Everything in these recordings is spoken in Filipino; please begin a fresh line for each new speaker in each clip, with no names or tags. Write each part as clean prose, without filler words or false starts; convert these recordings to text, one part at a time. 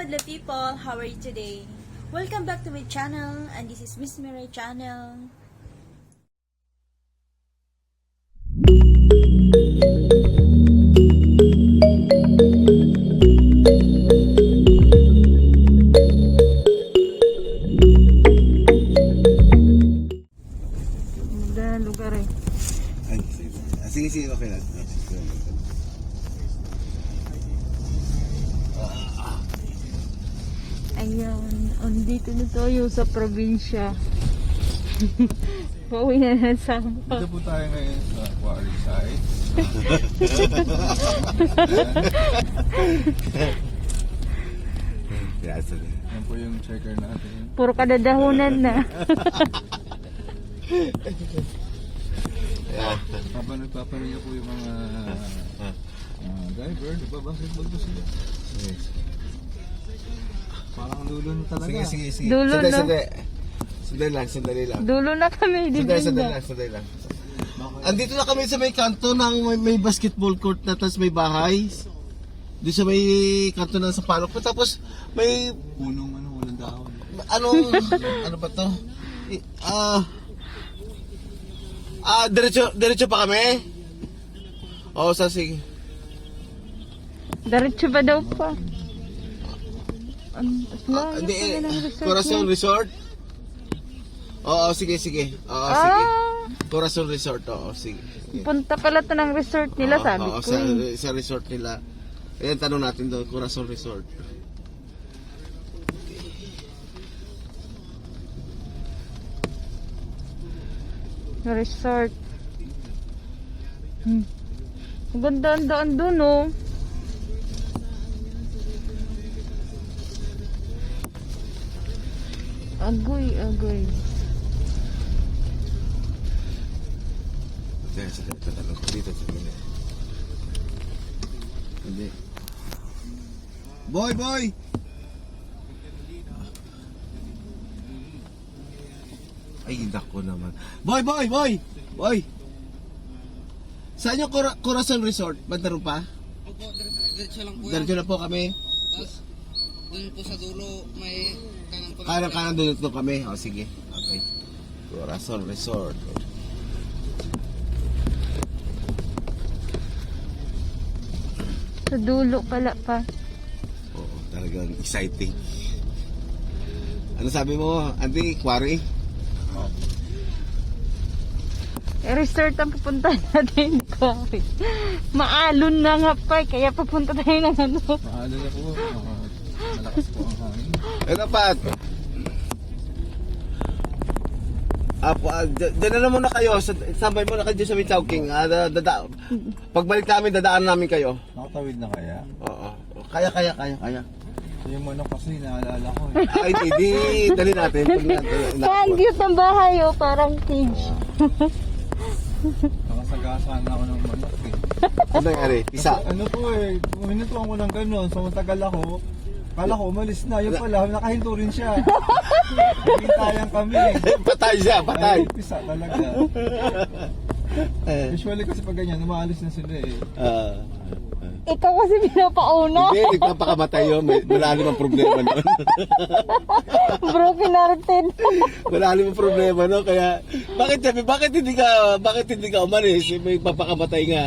Madla people, how are you today? Welcome back to my channel, and this is Miss Mirai channel.
Maganda lugar eh.
Ay, sige, sige, okay lang.
Ayan, andito na tayo sa probinsya. Pauwi na na sama.
Dito po tayo ngayon sa quarry site. Yan po yung checker natin.
Puro kadadahunan na.
Habang nagpaparinga po yung mga driver, nagbabasketball po sila. Parang ang dulo na talaga.
Sige, sige.
Dulo na.
Sandali lang.
Dulo na kami, di ba?
Sandali lang. Andito na kami sa may kanto ng may basketball court na tapos may bahay. Doon sa may kanto ng Sampaloc. Tapos may
Punong walang dahon.
ano ba to? Diretso pa kami? Oo, sige.
Diretso ba daw pa?
Hindi, Corazon Resort? Oo, sige. Oo, sige. Corazon Resort, oo, sige.
Punta pala to ng resort nila, sabi
Oo,
ko eh.
sa resort nila. Ayan, tanong natin doon, Corazon Resort.
Resort. Ang ganda ang daan dun, oh. Agoy.
Tatanong ko dito. Hindi. Boy! Ay, nako naman. Boy! Saan yung Corazon Resort? Bandaron pa?
Opo, diretso lang po yan.
Diretso na po kami.
Tapos, dun po sa dulo, may kanan po.
Kanan doon kami. O, sige. Okay. Corazon Resort.
Sa dulo pala pa.
Oo, talagang exciting. Ano sabi mo, Andy? Quarry?
Resort ang pupunta natin ko. Maalon na nga pa, kaya papunta tayo ng ano.
Maalo na po. Malakas po ang hangin.
Dapat. Diyan na muna kayo. Sambay muna kayo sa may Chowking. Pagbalik namin, dadaan namin kayo.
Nakatawid na kaya?
Oo. Kaya.
Yung manok kasi naalala ko.
Ay, hindi. Dali natin.
Ang cute ng bahay, oh, parang cage.
Nakasagasaan ako ng manok eh.
Ano nangyari? Isa.
Ano po eh, minutuan ko ng ganun. So matagal ako. Kala ko umalis na. Yung pala, nakahinto rin siya. Hintayan kami.
Patay siya, patay.
Ay, pisa talaga. Usually kasi pag ganyan, umaalis na sila eh.
Ikaw kasi pinapauna.
Hindi, nagpapakamatay yun. Malalim ang problema nun.
Broken hearted.
Malalim ang problema no. Kaya, bakit hindi ka umalis? May papakamatay nga.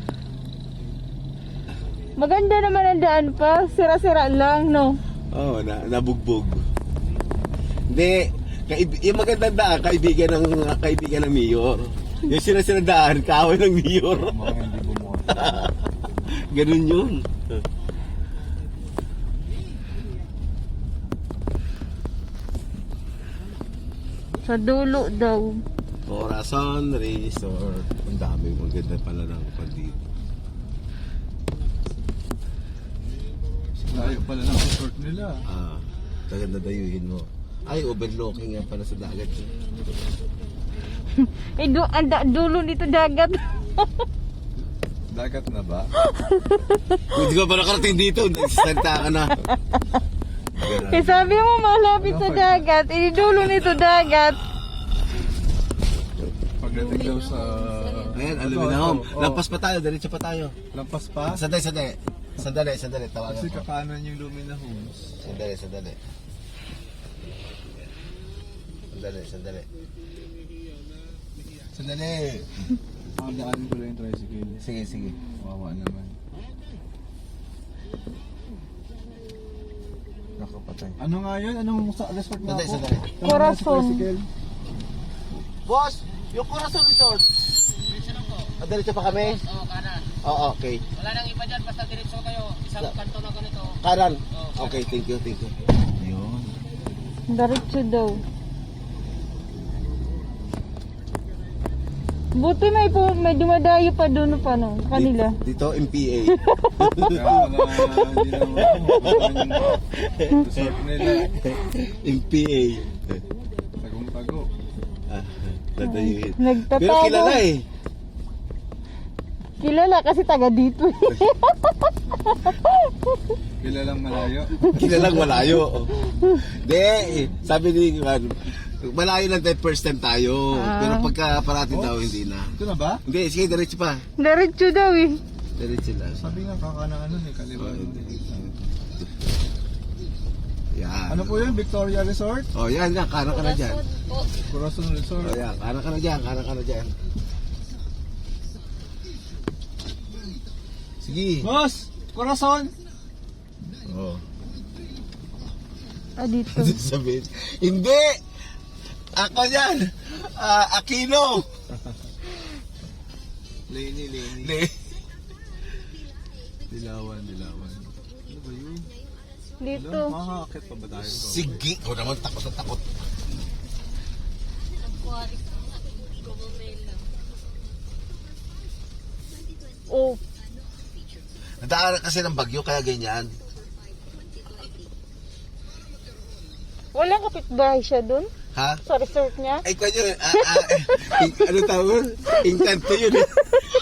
Maganda naman ang daan pa. Sira-sira lang, no?
Oo, nabugbog. Hindi, yung magandang daan, kaibigan ng mayor. Yung sinasinang daan, kaaway ng mayor.
Mga hindi bumuha.
Ganun yun.
Sa dulo daw.
Corazon Resort. Ang dami, maganda pala ng pandito.
Layo pala ng resort nila.
Maganda dayuhin mo. Ay, overlooking nga pala sa dagat.
Eh, dulo dito dagat.
Dagat na ba?
Hindi ka pa nakarating dito. Nagsalita ka na.
Eh, sabi mo malapit sa dagat. Eh, dulo nito dagat.
Pagdating daw sa...
Ayan, aluminum. Lampas pa tayo, diretso pa tayo.
Lampas pa?
Saday. Sandali, tawagan
Kasi
ko.
kakanan yung Lumina Homes.
Sandali.
Pakadaanin ko lang yung tricycle.
Sige.
Kawawa naman.
Nakapatay.
Ano nga yun? Anong resort na ako?
Sandali.
Tama na sa
Corazon.
tricycle.
Boss, yung Corazon Resort. Diretso pa kami?
Oo, kanan.
Oo, okay.
Wala nang iba dyan, basta diretso kayo. Isang kanto na ganito.
Kanan. Okay, thank you. Ayun.
Diretso daw. Buti may dumadayo pa doon pa no, kanila.
Dito, MPA.
Kaya wala, hindi naman ako. Resort nila.
MPA.
Tagong-tago.
Dadayuhin.
Nagtatago.
Pero kilala eh.
Kilala kasi taga dito.
Kilalang malayo.
Kilalang malayo. Hindi, sabi ni Juan, malayo lang tayo first time tayo. Pero pagka parating daw, hindi na.
Ito na ba?
Hindi, sige, diretso pa.
Diretso daw eh.
Diretso lang.
Sabi nga kakanaan nun eh, kaliwa.
Yan.
Ano po yun? Victoria Resort?
Oh, yan, kanan ka na dyan.
Corazon Resort.
Oh, yan, kanan ka na dyan. Sige.
Boss! Corazon!
Oh.
Dito.
Sabihin, hindi! Ako yan! Aquino!
Lenny. Dilawan. Ano ba yun?
Dito.
Makakakit pa ba tayo?
Sige! Ako naman, takot na takot.
Oh,
Nadaanan kasi ng bagyo, kaya ganyan.
walang kapitbahay siya doon
Ha?
sa resort niya.
Ay, kanya, ano tawag? Inkanto yun eh.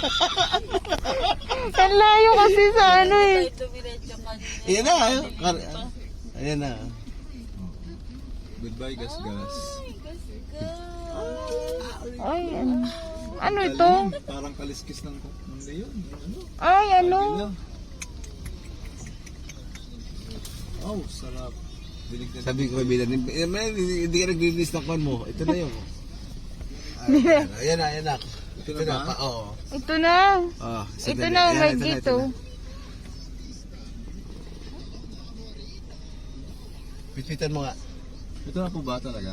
Ang layo kasi sa ano eh.
Ayan na, ayan na.
Goodbye, gas.
Ay, ano ito?
Parang kaliskis ng leon. Ano?
Ay, ano?
Oh, sarap. Dinig na
Sabi ko kay Bilan, hindi ka nag-release ng kwan mo. Ito na yun. Ayan na.
Ito na ba?
Oo.
Ito na.
Oh,
Ito na, may dito.
Pitpitan mo nga.
Ito na po ba talaga?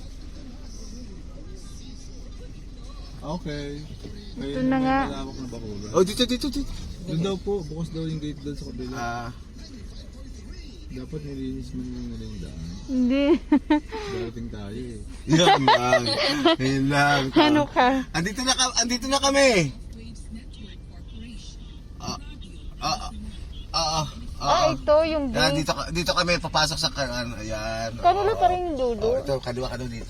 Okay.
Ito na nga.
May malawak na bakura.
Oh, dito.
Doon daw po, bukas daw yung gate doon sa kabila. Dapat nilinis mo nila yung daan.
Hindi.
Darating tayo eh.
Yan lang.
Ano ka?
Andito na kami.
Ito yung
Yan,
gate.
dito kami papasok sa ayan.
Kanila pa rin yung dulo.
Ito, kaliwa ka daw dito.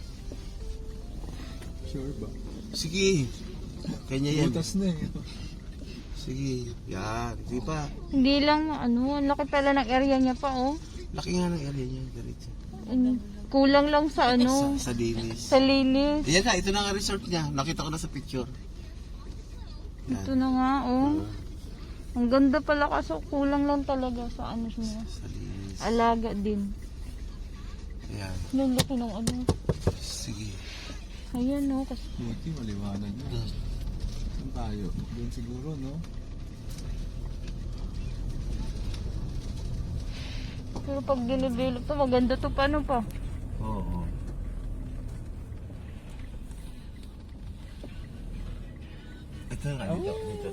Sure ba?
Sige. Kanya yan.
Butas na eh.
Sige. Yan. Di ba?
Hindi lang, ano, ang laki pala ng area niya pa, oh.
Laki nga ng area niya. Diretso.
Kulang lang sa ano,
Sa linis.
sa linis.
Ayan na, ito na nga resort niya. Nakita ko na sa picture.
Ito na nga, oh. Ang ganda pala kaso kulang lang talaga sa ano niya.
Sa linis.
Alaga din.
Ayan.
Ang laki ng ano.
Sige.
Ayan, oh. Kasi
Buti, maliwanag na. Saan tayo? Doon siguro, no?
pero pag dinevelop to, maganda to paano pa.
Oo. Ito nga dito.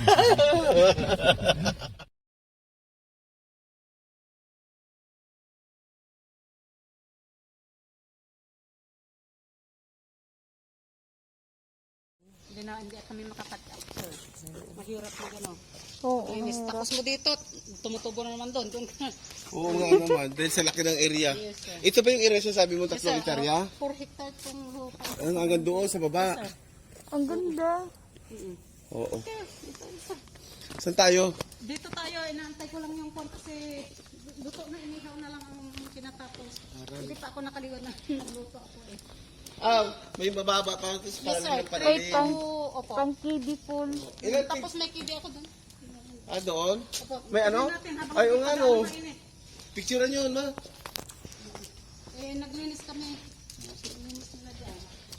Hindi kami makakat-up, sir. Mahirap na gano'n.
Oo.
Linis. Tapos mo dito, tumutubo na naman doon.
Oo nga naman, dahil sa laki ng area.
Yes, sir.
Ito ba yung area sabi mo 3 hektarya?
4 hectares yung lupa.
Ang hanggang doon sa baba.
Ang ganda.
Oo. Saan tayo?
Dito tayo, inaantay ko lang yung kwan kasi luto na, inihaw na lang ang kinatapos. Hindi pa ako nakaliwan na nagluto ako eh.
May mababa pa ito sa
Yes, sir.
parang ng
Wait,
panalim.
Opo.
pang kiddie pool.
Ilan
Tapos may kibi ako doon.
Ah, doon?
Opo,
May ano?
natin habang
Ay, yung ano.
mainit.
Picturean nyo, ma.
Naglinis kami. Naglinis nila dyan.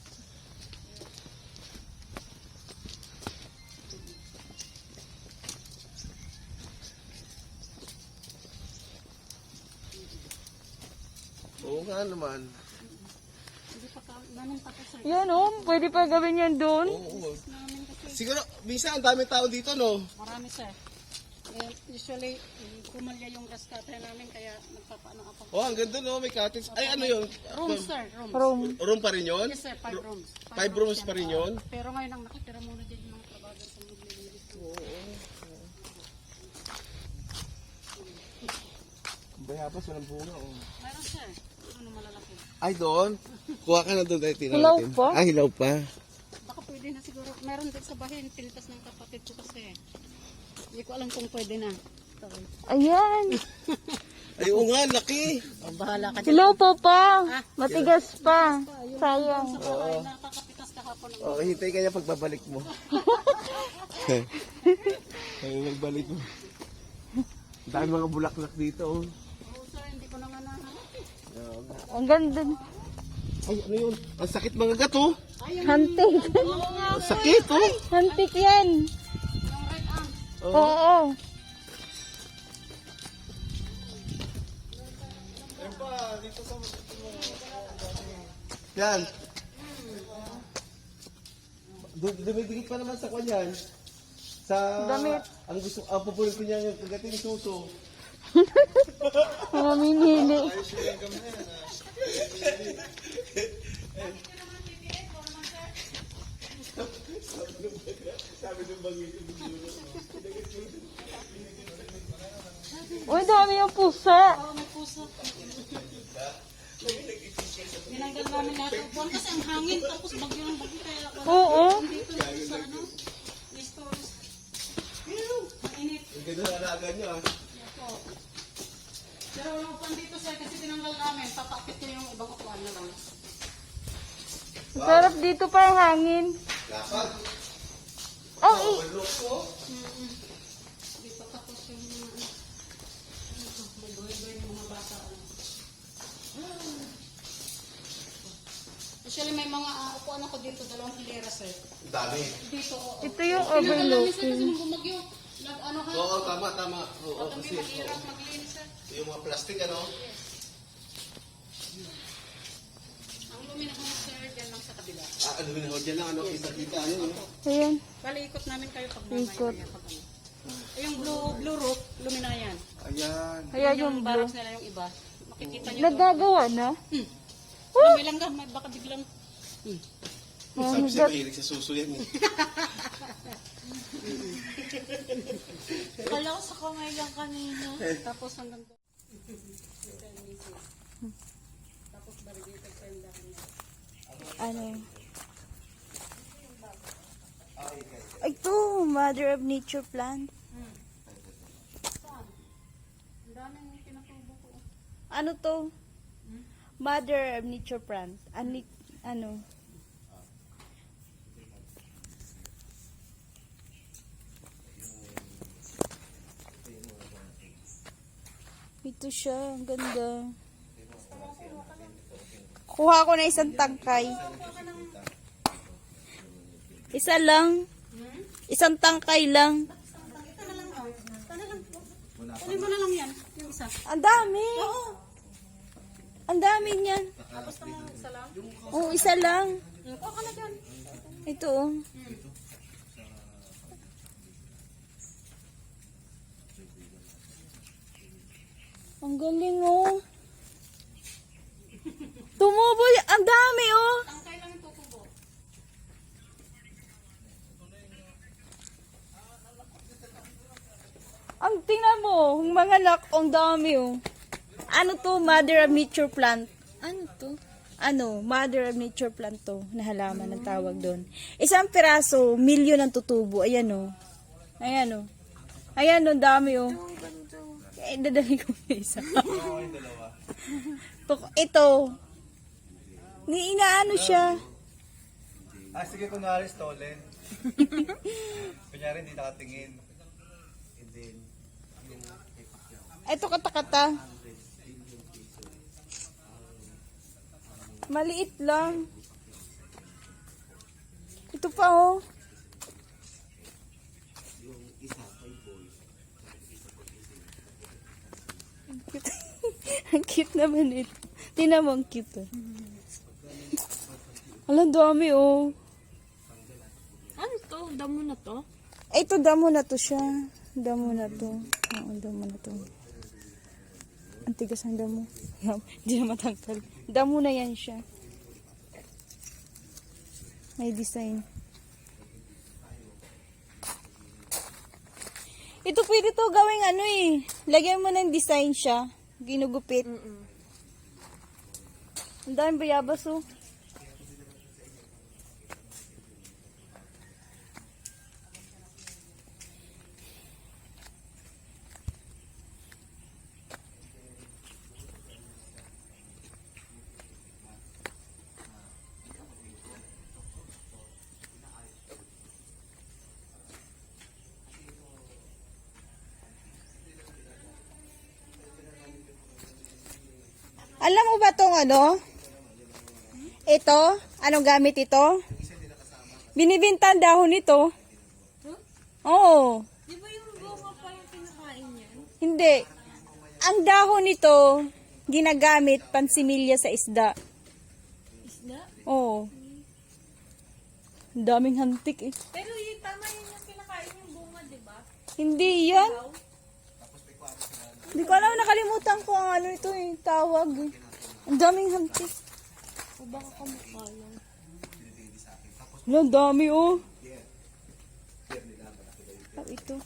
Oo nga naman.
Hindi pa namin tapos sir.
Yan oh, pwede pa gawin yan doon.
Oo.
Namin kasi
Siguro, minsan ang daming tao dito, no?
marami sir. Usually, kumalya yung gas cutter namin kaya nagpapaano ako.
Oh, ang ganda, no? May cottage. Ay, ano yun?
Rooms sir, rooms.
Room.
Room pa rin yun?
Yes sir, 5 rooms.
5 rooms pa rin yun?
Pero ngayon ang nakatira muna din yung mga trabaho sa maglilinis.
Bayabas, walang bunga, oh.
Mayroon sir, ano malalaki.
Ay, doon? Kuha ka na doon dahil tingnan
Hilaw
natin.
pa?
Ay, hilaw pa.
Baka pwede na siguro. Meron din sa bahay, pilitas ng kapatid ko kasi. Hindi ko alam kung pwede na. Sorry.
Ayan.
Ay, oo nga, laki.
Bahala ka
Hilaw pa. Matigas pa. Sayang.
Ay, nakakapitas kahapon.
Oh, hintay ka niya pagbabalik mo. Ay, pagbalik mo. Dahil mga bulaklak dito, oh.
Oo sir, hindi ko na nga nahanap.
Ang ganda.
Ay, ano yun? Ang sakit mga gato.
Hantik.
Ang sakit, oh.
Hantik yan.
Yung red arm.
Oo.
Yan. Dumidikit pa naman sa kanyan. Sa
Damit.
ang pupunin ko niya yung kagating suso.
Mamimili. Uy, dami yung pusa.
Oo, may puso. Tinanggal namin lahat ng buwan kasi ang hangin tapos bagyo ng bagyo kaya wala.
Oo.
Dito sa ano, stores. Mainit.
Ang ganda na alaga niyo, ah.
Yan po. Pero wala ko dito sir kasi tinanggal namin. Papakit ko yung ibang upuan na lang.
Sarap dito pa ang hangin.
Lapad.
Oh,
Overlook ko.
Hindi pa tapos yung mga ano. May buhay-buhay ng mga bata. Usually may mga upuan ako dito, 2 hilera sir.
Ang dami.
Dito, oo.
ito yung
Tinanggal namin sir kasi
overlooking.
nung bumagyo. Ano ha?
Oo, tama. Oo,
Kami
kasi
mahirap maglinis sir.
yung mga plastic, ano?
Ang luminahan sir, dyan lang sa kabila.
Ah, ano yun? Diyan lang, ano? Kita-kita, ano? no?
Ayan.
Bali, ikot namin kayo pag
Ikot.
mamaya. Pag ano. Yung blue roof, lumina yan.
Ayan.
Ayan yung blue.
barracks nila yung iba. Makikita nyo doon.
Nagagawa na?
May langga, may baka biglang.
Sabi siya, mahilig sa suso yan, eh.
Kala ko sa kamay lang kanina.
Tapos hanggang doon. Tapos barigate pa yung dahil niya.
Ano? Ito, Mother of Nature plant.
Ang daming pinatubo ko.
Ano to? Mother of Nature plant. Ano? Ito siya, ang ganda. Kuha ko na isang tangkay. Isa lang. Isang tangkay lang.
Kunin mo na lang yan, yung isa.
Ang dami. Ang dami niyan.
Tapos naman isa lang.
Oo, isa lang.
Kuha ka na dyan.
Ito oh. Ang galing oh. Tumubo. Ang dami oh.
Tangkay lang yung tutubo.
Ang tingnan mo, ang mga lak, ang dami oh. Ano to? Mother of Nature plant. Ano to? Ano? Mother of Nature plant to. Na halaman ang tawag doon. Isang piraso, milyon ang tutubo. Ayan oh. Ayan oh. Ayan oh, dami oh. Eh, dadali ko na isa. Ito. Ni inaano siya.
Sige, kunwari stolen. Kunyari hindi nakatingin. Hindi
Ito kata-kata. Maliit lang. Ito pa oh. Ang cute. Ang cute naman ito. Tingnan mo, ang cute oh. Alam, dami oh.
Ano to? Damo na to?
Ito, damo na to siya. Damo na to. Oo, damo na to. Ang tigas ng damo. Hindi na matangkal. Damo na yan siya. May design. Ito pwede to gawing ano eh. Lagyan mo ng design siya. Ginugupit. Ang daming bayabas oh. Alam mo ba tong ano? Ito? Anong gamit ito? Binibinta ang dahon nito. Oo.
Di ba yung bunga pa yung kinakain niya?
Hindi. Ang dahon nito, ginagamit pansimilya sa isda.
Isda?
Oo. Ang daming hantik eh.
Pero yung tama yun yung kinakain yung bunga, di ba?
Hindi yan. Hindi ko alam, nakalimutan ko ang ano ito eh, tawag eh. Ang daming hantik.
O baka kamukha lang.
Wala, ang dami oh. Oh, ito.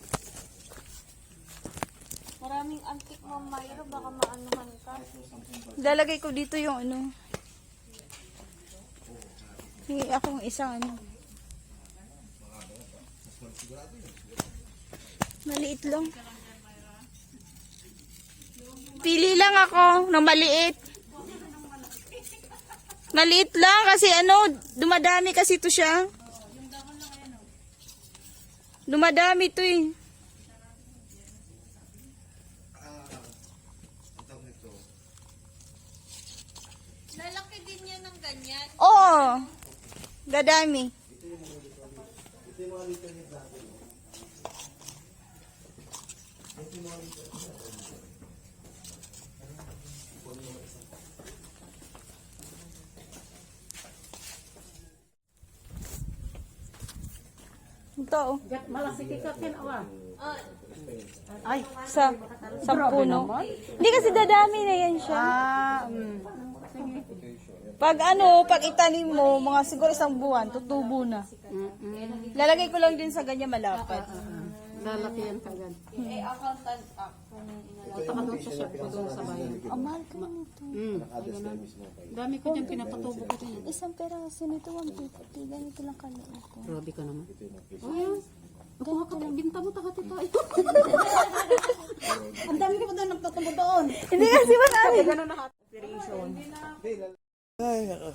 Maraming antik mo, Mayro. Baka maanuhan ka.
Lalagay ko dito yung ano. Hingi akong isang ano. Maliit lang. Pili lang ako ng maliit. Maliit lang kasi ano, dumadami kasi ito siya. Dumadami ito eh.
Lalaki din yan ng ganyan.
Oo. Dadami. Ito oh. Ay, sa puno. Hindi kasi dadami na yan siya. Pag ano, pag itanim mo, mga siguro isang buwan, tutubo na. Lalagay ko lang din sa ganyan malapad.
Lalaki yan kagad. Punta ka doon sa shop ko doon sa bayan.
Ang mahal ka na nito.
Dami ko dyan, pinapatubo ko dyan.
Isang peraso nito, 150. Ganito lang kaliit ko.
Grabe ka naman. Oh, yan. Nakuha ka tayo, binta mo, takati tayo. Ang dami ko pa doon, nagtatubo doon.
Hindi kasi marami.
Ay, nako.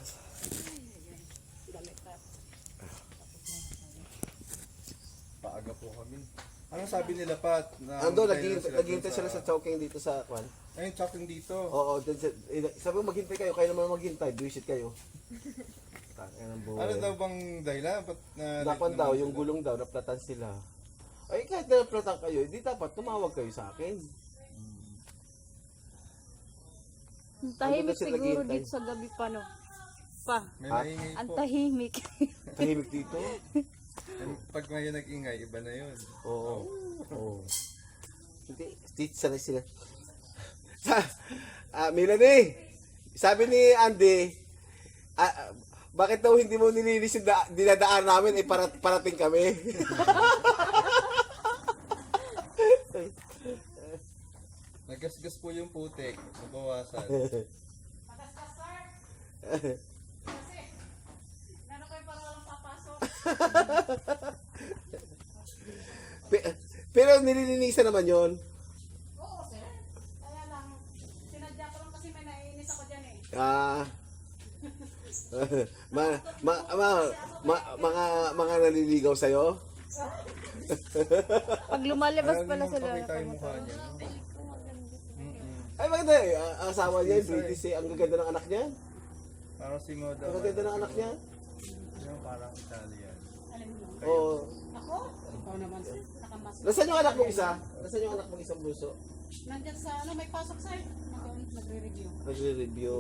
Paaga po kami. Anong sabi nila, Pat? Na
Ando,
maghintay
naghihintay sila sa choking dito sa kwan.
Ayun, chopping dito.
Oo, sabi mo maghintay kayo naman maghintay, visit kayo. Tangina ng buhay.
Ano daw bang dahilan? Ba't
Nakwan daw, yung gulong daw, naplatan sila. Ay, kahit na naplatan kayo, hindi dapat tumawag kayo sa akin.
Tahimik
Sila
siguro
naghihintay.
dito sa gabi pa, no? Pa.
May maingay
Ang
po.
tahimik.
Tahimik dito.
Pag may nag-ingay, iba na yun.
Oo. Oo. Hindi, dito sana sila. Melanie, sabi ni Andy, bakit daw hindi mo nilinis yung dinadaan namin, eh parating kami.
Nagasgas po yung putik. Nabawasan.
Pero nililinisan naman yon.
Oo, sir. Kaya lang, sinadya ko lang kasi may naiinis ako dyan eh.
Mga naliligaw sa'yo?
Pag lumalabas pala
Ano
sila.
pakita yung mukha niya?
Ay, maganda eh. Ang asawa niya, British eh. Ang gaganda ng anak niya.
Parang si Moda.
Ang gaganda ng anak niya.
Yung parang Italian.
Alam mo.
Oo.
Ako? Ikaw naman. Nakamas.
Nasaan yung anak mong isa? Nasaan yung anak mong isang bunso?
Nandyan sa ano, may pasok sa'yo. Nagre-review.
Nagre-review.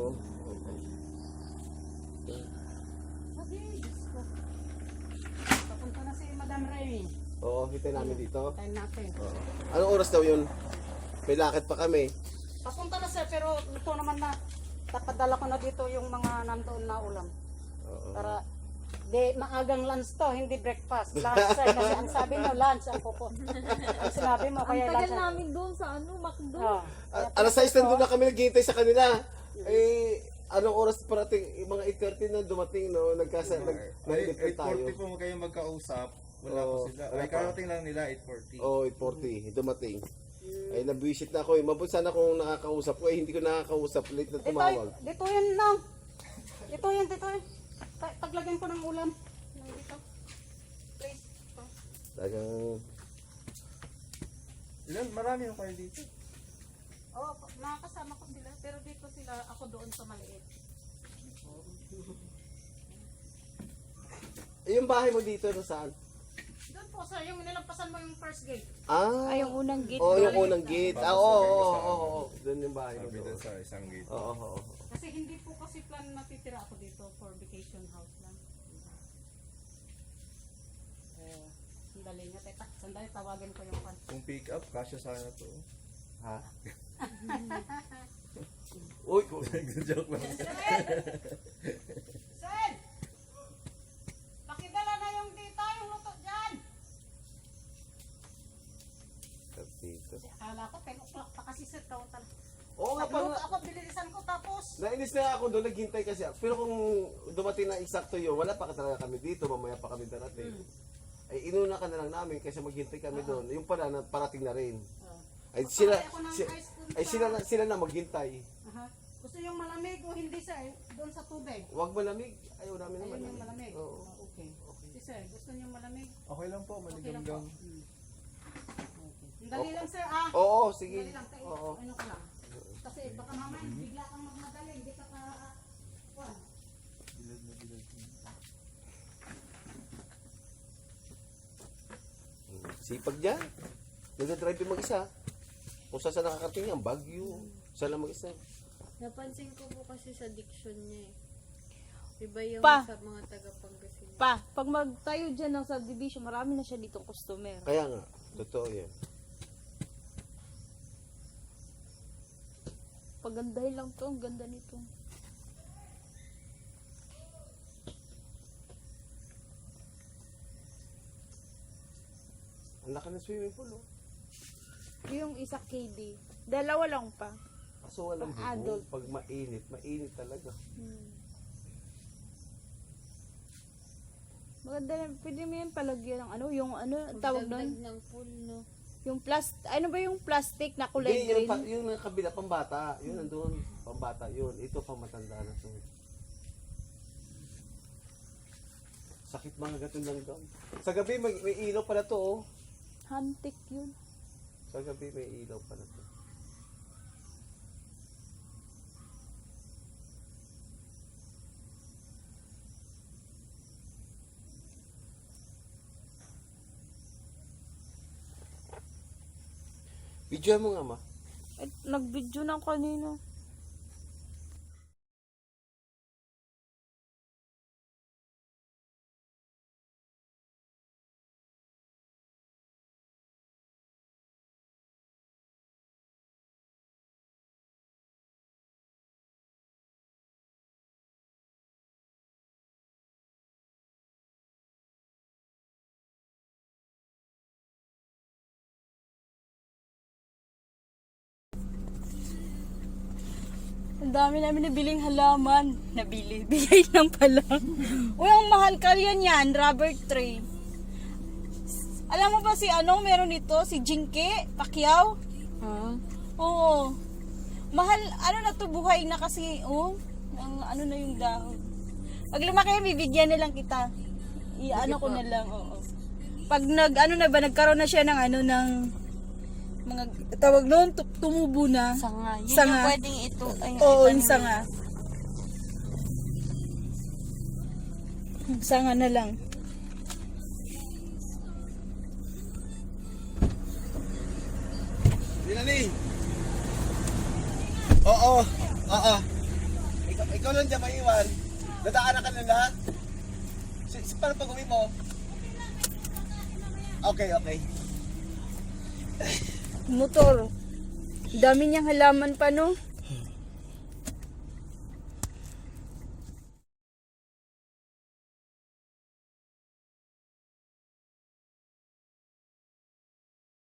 Sabi, Diyos ko. Papunta na si Madam Ray.
Oo, kita namin dito.
Tayo natin.
Oo. Anong oras daw yun? May lakad pa kami.
Papunta na sir, pero ito naman na, tapadala ko na dito yung mga nandoon na ulam.
Oo.
Para, di, maagang lunch to, hindi breakfast. Lunch sir, kasi ang sabi mo, lunch ang pupo. Ang sinabi mo, kaya lunch.
namin doon sa McDo.
Oh.
Alas 6 nandun na kami naghihintay sa kanila. Eh, anong oras parating? Mga 8:30 na dumating, no? Nag-depend tayo.
8:40 po kayo magkausap. Wala
Oo,
po sila.
wala
Ay,
pa.
karating lang nila 8:40.
Oo, 8:40. Dumating. Ay, nabisit na ako eh. Mabuti sana kung nakakausap ko. Eh, hindi ko nakakausap. Late na tumawag.
Dito yan lang. Dito yan. Paglagyan ko ng ulam. Dito. Please.
Talagang...
Ilan? Marami yung kayo dito.
Oo, nakakasama ko sila. Pero dito sila, ako doon sa maliit.
Eh, yung bahay mo dito, saan?
Doon po sir, yung nilampasan mo yung first gate.
Ah,
Ay, yung unang gate.
Oo, yung unang gate. Ah, oo. Doon yung bahay mo
Sabi
doon.
doon sa isang gate.
Oo.
Kasi hindi po kasi plan natitira ako dito for vacation house lang. Sandali nga, teta. Sandali, tawagin ko yung pan.
Kung pick up, kasya sana to.
Ha? Uy,
Joke lang.
Sir! Pakidala na yung tita, yung luto dyan!
dito.
Akala ko 10 o'clock pa kasi sir, total.
Oo nga
Nagluto
pala.
ako, bililisan ko tapos.
Nainis na ako doon, naghintay kasi ako. Pero kung dumating na eksakto yun, wala pa talaga kami dito, mamaya pa kami darating. Ay inuna ka na lang namin kasi maghintay kami doon. Yung pala, parating na rin. Ay sila,
Ako ng
si-
ice cream
ay sila na maghintay.
Aha. Gusto yung malamig o hindi sir? Doon sa tubig.
Huwag malamig. Ayaw namin naman.
Ayun yung malamig.
Oo.
Okay. Si sir, gusto niyo malamig?
Okay lang po,
Okay lang po.
maligamgam.
Ang dali lang sir ah.
Oo, sige.
Dali lang tayo.
Oo.
Ano ka lang. Kasi baka mamaya bigla kang magmadali, hindi ka ka kuwan.
Sipag dyan. Nagdadrive yung mag-isa. Kung saan saan nakakarating yan, Baguio. Saan lang mag-isa.
Napansin ko po kasi sa diction niya eh. Iba yung
Pa.
sa mga taga-Pangasinan.
Pag magtayo dyan ng subdivision, marami na siya ditong customer.
Kaya nga, totoo yan.
Pagandahin lang to, ang ganda nito.
Ang laki ng swimming pool, oh.
Yung isa KD. Dalawa lang pa.
Kaso walang bubong.
Adult.
Pag mainit, mainit talaga.
Maganda na, pwede mo yan palagyan ng ano, yung ano, ang tawag
Dagdag
doon?
ng pool, no?
Yung ano ba yung plastic na kulay
Hindi,
green?
yung kabila, pambata. Yun nandun, pambata yun. Ito, pamatanda na to. Sakit mga gatong langgam. Sa gabi, may ilaw pala to, oh.
Hantik yun.
Sa gabi, may ilaw pala to. Video mo nga, ma.
Nag-video na kanina. Ang dami namin nabiling halaman. Nabili. Bigay lang pala. Uy, ang mahal ka yan, rubber tree. Alam mo ba si meron nito? Si Jinke Pacquiao? Oo. Mahal, na to, buhay na kasi, ang na yung dahon. Pag lumaki, bibigyan na lang kita. Ko na lang, oo. Pag nagkaroon na siya ng mga tawag noon, tumubo na.
Sanga. Yun
Sanga.
yung pwedeng ito. Ay,
Oo,
itanim
yung sanga. Sanga na lang.
Dinali. Oo. Oo. Ikaw lang dyan maiwan. Dadaanan ka nila. Paano pag uwi mo? Okay, okay.
Motor. Dami niyang halaman pa, no?